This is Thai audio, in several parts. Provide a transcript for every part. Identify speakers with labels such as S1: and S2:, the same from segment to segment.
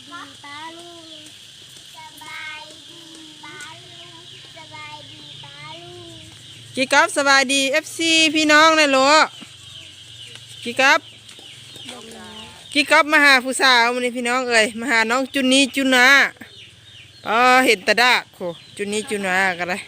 S1: ดีป้าลุงสบายดีป้าลุงสบายดีป้าลุง
S2: กี่กับสบายดีFCพี่น้องนะลูกกี่กับมาหาผู้สาวมันนี่พี่น้องเอ้ยมาหาน้องจุนนี้จุนาเห็นตาดากโคจุนนี้จุนากันเลย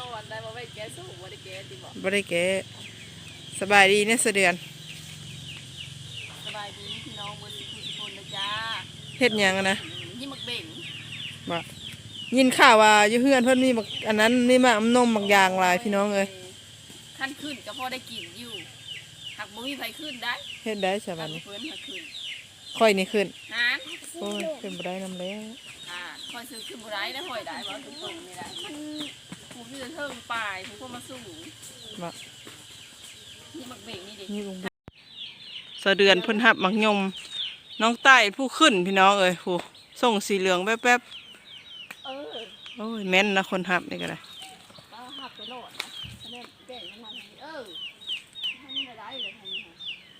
S2: บ่ได้แกสบายดีเนี่ยเดือน
S3: สบายดีพี่น้องบนทุกคนนะจ้า
S2: เฮ็ดหยังนะ
S3: ยี่มักเบ่ง
S2: บ่ยินข่าวว่าอยู่เฮือนเพิ่นมีอันนั้นนี่มากนมบางอย่างหลายพี่น้องเอ้ย
S3: ขั้นขึ้นก็พอได้กินอยู่หักบ่มีไผขึ้นได้
S2: เฮ็ดได้ใช่บัดนี้
S3: เพิ่นหักขึ้น
S2: ค่อยนี่ขึ้น
S3: ฮะ
S2: โอ้ยขึ้นบ่ได้นำแล้ว
S3: คอยซื้อขึ้นบ่ได้แล้วหอยได้บ่ตรงๆนี่แหละผู้ที่จะเทิงปลายผู้คนมาสู้
S2: บ่
S3: ยี่มักเบ่งนี่ดิ
S2: นี่ลุงเดือนเพิ่นหับมักยมน้องใต้ผู้ขึ้นพี่น้องเอ้ยผู้ส่งสีเหลืองแป๊บโอ้ยแม่นนะคนหับนี่ก็ได้
S3: ก็หับไปโลดนะเล่นเก่งมันทำนี่ได้เลยทำนี่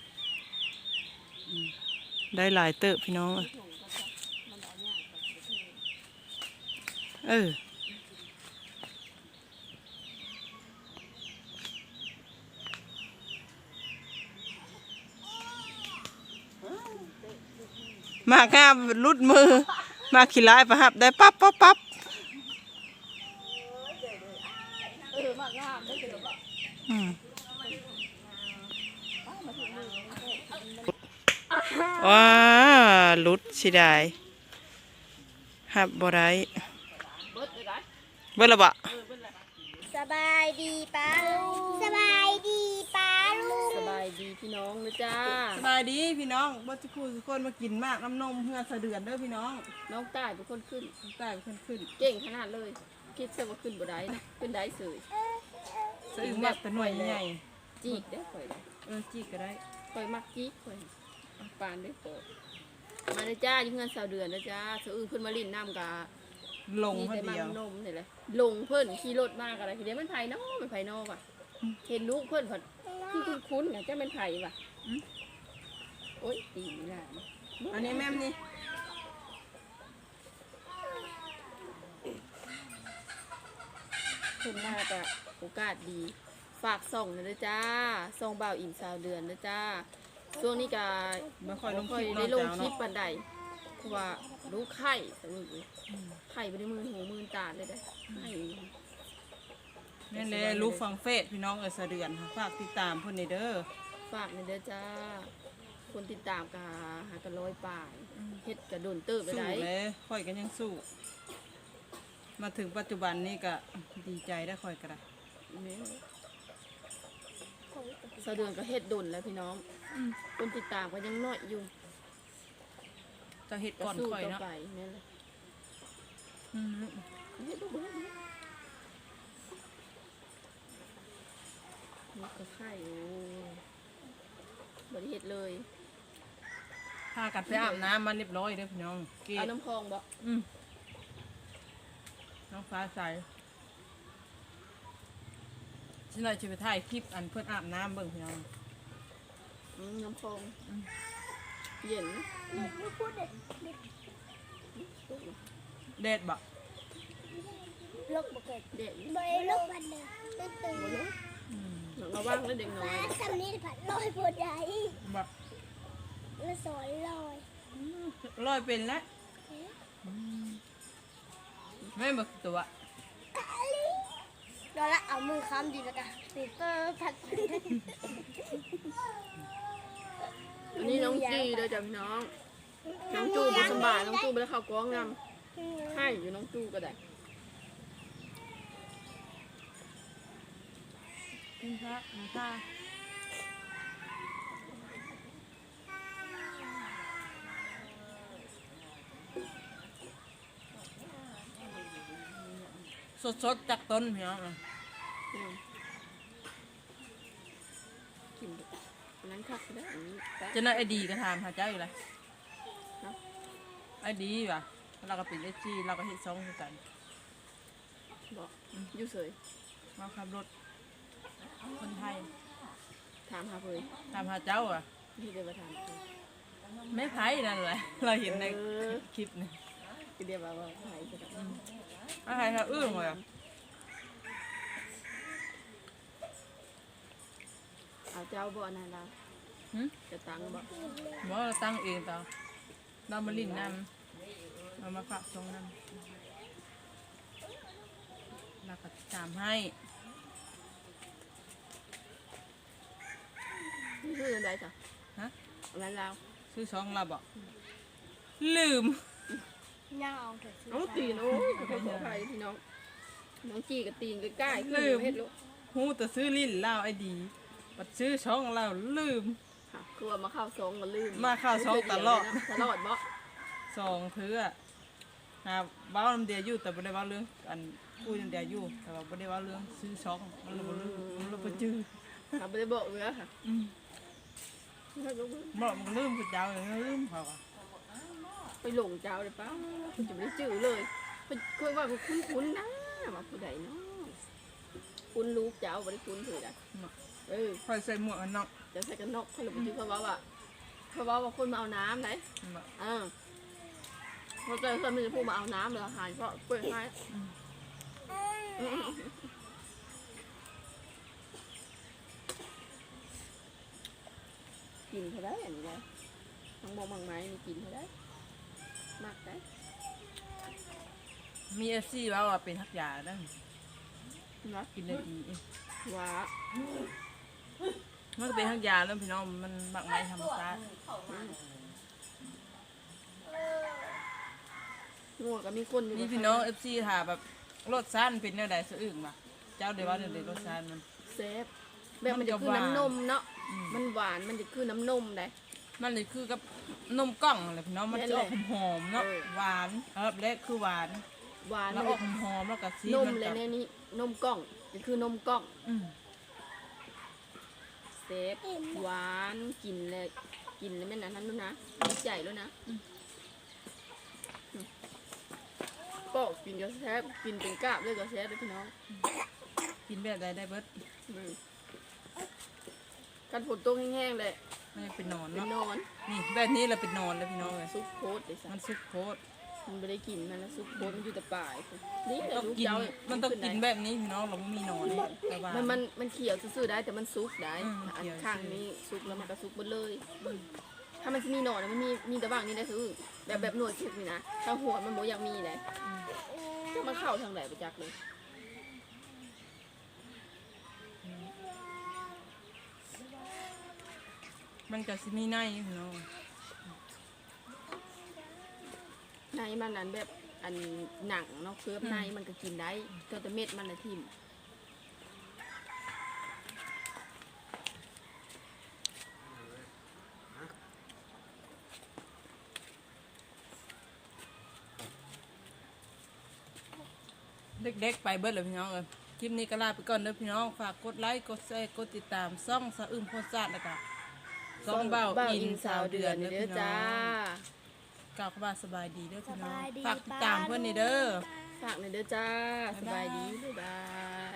S2: ได้หลายเติบพี่น้องมากงามรุดมือมาขี้ร้ายประหับได้ปั๊บ
S3: มากงามได้เป็นแบบ
S2: ว้าลุดสิได้หับบ่ได้เบิ่ละบ่
S1: สบายดีป้าลุงสบายดีป้าลุง
S3: สบายดีพี่น้องนะจ้า
S2: สบายดีพี่น้องบ่ทุกคนมากินมากน้ำนมเพื่อสะเดือนเด้อพี่น้อง
S3: น้องใต้เป็นคนขึ้น
S2: ใต้เป็นขึ้น
S3: เก่งขนาดเลยคิดซะว่าขึ้นบ่ได้นะขึ้นได้เสย
S2: ซื้อแบบแต่หน่วยใหญ่
S3: จีกได้ข่อย
S2: จีกก็ได้
S3: ข่อยมักจีกข่อยปานได้โปมาเลยจ้าอยู่เงิน2 เดือนนะจ้าเสือขึ้นมาลิ้นน้ำกะ
S2: ลงเพิ่นเดียวน
S3: มนี่แหละลงเพิ่นขี่รถมากอะไรทีเดียวมันไผ่นอกมันไผ่นอกว่ะเห็นลูกเพิ่นผัดที่คุ้นๆเนี่ยจะเป็นไผ่ว่ะโอ๊ยตีนี่แหละ
S2: อันนี้แม่นี่
S3: คุณน่าจะโอกาสดีฝากส่งนะจ้าส่งเบาอิ่ม20 เดือนนะจ้าช่วงนี้ก็
S2: ไม่ค่อยลง
S3: คลิปปันใดเพราะว่ารู้ไข่สนุกเลยไข่ไปในมือหูมือตาเลยได้ไข่
S2: นี่เลยรู้ฟังเฟซพี่น้องสะเดือนฝากติดตามเพิ่นเด้อ
S3: ฝากในเด้อจ้าคนติดตามกะหากัน100 ป่ายเฮ็ดกระโดนเติบไปได้
S2: สู้เลยค่อยกันยังสู้มาถึงปัจจุบันนี้ก็ดีใจได้ค่อยกระได้
S3: สะเดือนก็เฮ็ดโดนแล้วพี่น้องคนติดตามก็ยังน้อยอยู่
S2: จะเฮ็ดก่อนค่อยเนาะ
S3: นี่แหละนี่ก็ไข่บริเฮ็ดเลย
S2: พากันไปอาบน้ำมันเรียบร้อยเด้อพี่น้อง
S3: เอาน้ำคลองบ่
S2: น้องฟ้าใสฉันเลยจะไปถ่ายคลิปอันเพื่อนอาบน้ำเบิ่งพี่น้อง
S3: น้ำคลองเย็น
S2: เด็ดบ่
S1: ลูกบ่เกิด
S3: เด็ด
S1: บ่ลูกบันเด้อตื่น
S3: เราว่างแล้วเด็กน้อย
S1: สำนี้ผัดลอยบ่ได้
S2: บ่
S1: ละสอน
S2: ลอยเป็นแล้วไม่บอกตัว
S1: เราละเอามือค้ำดีแล้วกันปีเตอร์ผัด
S3: อันนี้น้องจีเด้อจ้ะพี่น้องน้องจูบุสบายน้องจูไปแล้วเขาก้องงามให้อยู่น้องจูก็ได้
S2: กินพระนะคะสดๆจากต้นพี่น้อง
S3: กินนั้นคักได้อันนี้
S2: จะน่าไอดีก็ทานหาเจ้าอยู่เลยไอดีว่ะเราก็เป็นจีเราก็เห็นซองกัน
S3: บอกอยู่เฉย
S2: มาขับรถคนไทย
S3: ถามหาเพื่อน
S2: ถามหาเจ้าอ่ะ
S3: ที่เดินมาถาม
S2: ไม่ไผ่นั่นแหละเราเห็นในคลิปนี่
S3: คือเดียวว่าไผ่จะแบบ
S2: อะไรเขาอื้อเลยอ่ะ
S3: เอาเจ้าบ่อนานเราจะตังบ่
S2: บอกเราตั้งเองต่อเรามาลิ้นน้ำเรามาฝากทรงน้ำเราก็ตามให้
S3: นี่คืออะไรจ้ะ
S2: ฮะ
S3: อะไรเรา
S2: ซื้อสองเราบอกลืม
S1: ย่าเอาเถอะสิ
S3: น้องตีนโอ้ยขออภัยพี่น้องน้องจีกับตีนใกล้ๆขึ้นเฮ็ดลูก
S2: หูแต่ซื้อลิ้นเราไอ้ดีบัดซื้อช่องเราลืม
S3: ค่ะคือว่ามาเข้าซองก็ลืม
S2: มาเข้าซองตลอด
S3: ตลอดบ่
S2: สองเทื่อหาเบ้าน้ำเดียวอยู่แต่ไม่ได้เบ้าเรื่องอันคุยน้ำเดียวอยู่แต่ว่าไม่ได้เบ้าเรื่องซื้อช่องมันเราบ่ลืมมันเราไปจื้อ
S3: ค่ะไม่ได้บอกเลยค่ะ
S2: บอกมันลืมผู้เจ้าอย่างลืมเขาอะ
S3: ไปหลงเจ้าเลยป้าคุณจะไม่ได้จื้อเลยเคยว่าคุ้นๆนะว่าผู้ใดเนาะคุ้นลูกเจ้าไม่ได้คุ้นถือนะเออ
S2: คอยใส่หมวกกันน็อก
S3: จะใส่กันนกเขาเลยไปจื้อเขาว่าคนมาเอาน้ำไหนเขาเจอคนมันจะพูดมาเอาน้ำเลยอาหารเพราะเปิดให้กินเขาได้อันนี้เลยทั้งมองบางไม้มีกินเขาได้มากได้
S2: มีเอฟซีว่าว่าเป็นทักยาได้
S3: นะ
S2: กินได้ดี
S3: ว้า
S2: มันก็เป็นทักยาแล้วพี่น้องมันบักไม้ธรรมชาติ
S3: งัวก็มีคนอยู่
S2: นี่พี่น้องเอฟซีถามแบบรสชาติมันเป็นแนวใดสะอึกมาเจ้าเดี๋ยวว่าเดี๋ยวรสชาติมัน
S3: เซฟแบบมันจะคือน้ำนมเนาะ
S2: อืม
S3: มันหวานมันจะคือน้ำนมได้
S2: มันเลยคือกับนมกล่องอะไรพี่น้องมันจะออกหอมๆเนาะ
S3: เออ
S2: หวานครับและคือหวาน
S3: หวาน
S2: แล้วออกหอมๆแล้วก็ซี
S3: นม
S2: มัน
S3: เลย
S2: กับ
S3: เนี่ยนี่นมกล่องจะคือนมกล่อง
S2: อืม
S3: เซฟหวานกินเลยกินเลยแม่นนะท่านนู้นนะดีใจแล้วนะก็กินก็แซ่บกินเป็นกาบเลยก็แซ่บเลยพี่น้อง
S2: กินแบบใดได้เบิด
S3: กันฝนตกแห้งๆเลย
S2: ไม่ได้เป็นนอน
S3: เป็น
S2: เนาะ
S3: นอน
S2: นี่แบบนี้เราเป็นนอนเลยพี่น้องเลย
S3: ซุปโคตรเลยสั
S2: มันซุปโคตร
S3: มันไม่ได้กินมันแล้วซุปโคตรมันอยู่แต่ป่ายนี่แต่
S2: ต้อง
S3: ลูก
S2: กิน
S3: เจ้า
S2: มันต้องกินแบบนี้พี่น้องเราไม่มีนอนแต่ว่า
S3: มันเขียวซื่อๆได้แต่มันซุกได้
S2: อืม
S3: อัน
S2: เขียว
S3: ข้างนี้ซุกแล้วมันก็ซุกหมดเลย ถ้ามันจะมีหนอนอะมันมีแต่บางนี่ได้คือแบบหนวดซุกนี่นะถ้าหัวมันโมอยากมีเลยจะมาเข้าทางไหนไปจักเลย
S2: มันก็สิมีในพี่น้อง
S3: ในมันนั้นแบบอันหนังเนาะเคลือบในมันก็กินได้แต่เม็ดมันนะทิ่ม
S2: เด็กๆไปเบิดเลยพี่น้องเลยคลิปนี้ก็ลาไปก่อนเด้อพี่น้องฝากกดไลค์กดแชร์กดติดตามซ่องสะอึมโพสต์ซาดแล้วก็ซ่องเบ้าอินสาวเดือนเด้อ
S3: เด้อ
S2: พี่น้
S3: จ้า
S2: องกล่าวคำว่าสบายดีเด้อ
S1: ส
S2: พี่น้อง
S1: บายดี
S2: ฝากติดตามเพื่อนนี่เด้อ
S3: ฝากหน่อยเด้อจ้าสบายดีบ๊ายบาย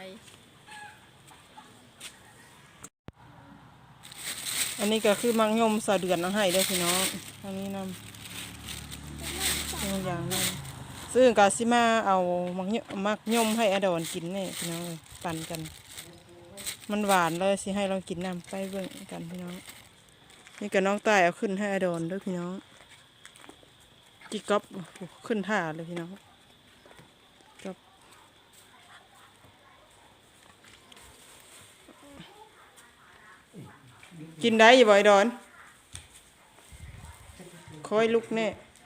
S2: อันนี้ก็คือมังยมสะเดือนเอาให้เด้อพี่น้องอันนี้นำอย่างนั้นซึ่งกาซิมาเอามักยมให้อดอนกินนี่พี่น้องเอ้ยปั่นกัน มันหวานเลยสิให้เรากินน้ำไปเบิ่งกันพี่น้องนี่กับน้องใต้เอาขึ้นให้อดอนด้วยพี่น้องจิกก๊อบขึ้นท่าเลยพี่น้องก๊อบกินได้อย่าบ่อยดอนคอยลุกแน่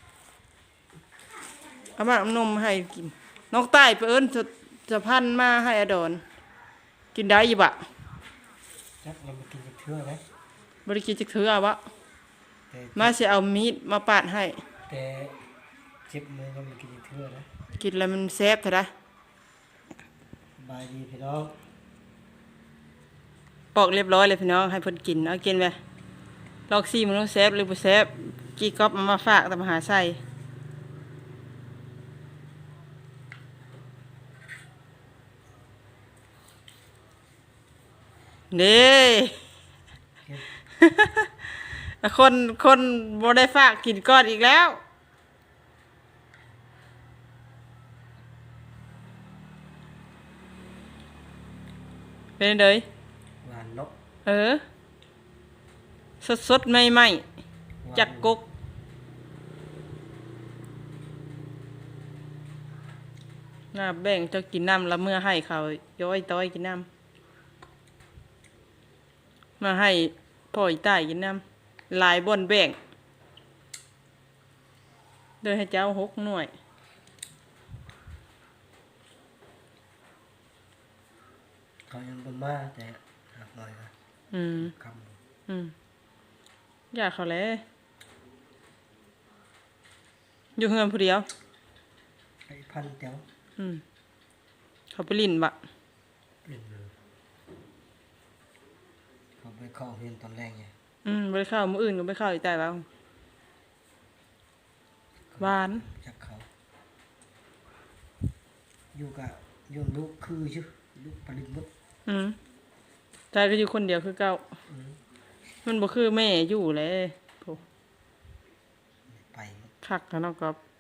S2: เอามาเอานมให้กินน้องใต้ไปเอิ้นจะพันมาให้อดอนกินได้อยี่บะ
S4: จักเรามากินกับเทื่อไหม
S2: บริกินจะถือเอาวะ
S4: แต่
S2: มาสิเอามีดมาปาดให้
S4: แต่เจ็บมือเรามากินกับเทื่อนะ
S2: กินแล้วมันแซ่บเถอะนะ
S4: บายดีพี่น้อง
S2: ปอกเรียบร้อยเลยพี่น้องให้เพิ่นกินเอากินไปลอกซี่มันต้องแซ่บหรือบ่แซ่บกี่ก๊อบเอามาฝากแต่มาหาใส่เด้ เอคนบ่ได้ฝากกินก้อนอีกแล้วเป็นไดย
S4: หวานเนาะ
S2: เออสดๆใหม่ๆจากกกน่าแบ่งเจ้ากินน้ำแล้วเมื่อให้เขาย้อยต้อยกินน้ำมาให้พ่ออีใต้กินน้ำหลายบ่อนแบ่งโดยให้เจ้า6 หน่วย
S4: เขายังเป็นมาแต่หักหน่อยนะ
S2: อืม
S4: ค
S2: อยากเขาเลยอยู่เฮือนผู้เดียว
S4: ำไอ้พันเตียว
S2: เขาไปลิ้นบะ
S4: เล่นเลยเขาไปเข้าเรียนตอนแรกไง
S2: ไปเข้ามื้ออื่นก็ไปเข้าอีใต้แล้วหวาน
S4: จากเขาอยู่กับโยมลูกคือชื่อลูกปริมุต
S2: ใจก็อยู่คนเดียวคือเก่ามันบ่คือแม่อยู่เลยโพ
S4: ไป
S2: คักกันเนาะกับโพ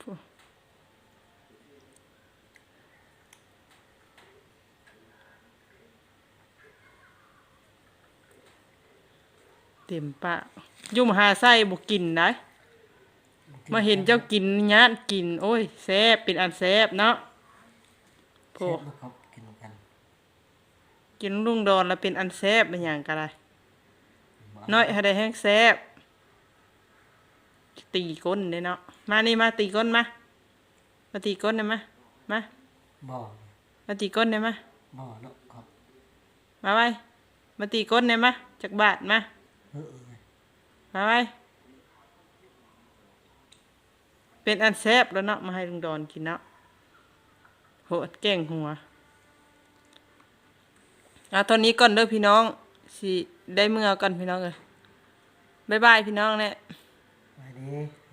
S2: เต็มปากอยู่มหาไส้บ่กินได้มาเห็นเจ้ากินญาติกิน โอ้ยแซ่บเป็นอันแซ่บเนาะโพ
S4: เช็ดลูกเขากินกัน
S2: กินลุงดอนแล้วเป็นอันแซ่บเป็นหยังก็ได้น้อยให้ได้แห้งแซ่บตีก้นเด้เนาะมานี่มาตีก้นมาตีก้นได้มามา
S4: บ่อ
S2: มาตีก้นได้มา
S4: บ่อเนาะครับ
S2: มาไว้มาตีก้นได้มาจักบาทมา
S4: เออ
S2: มาไว้เป็นอันแซ่บแล้วเนาะมาให้ลุงดอนกินเนาะโหดแกงหัวตอนนี้ก่อนเด้อพี่น้องสิได้เมื่อก่อนพี่น้องเอ้ยบ๊ายบายพี่น้องเนี่ย
S4: ไปดี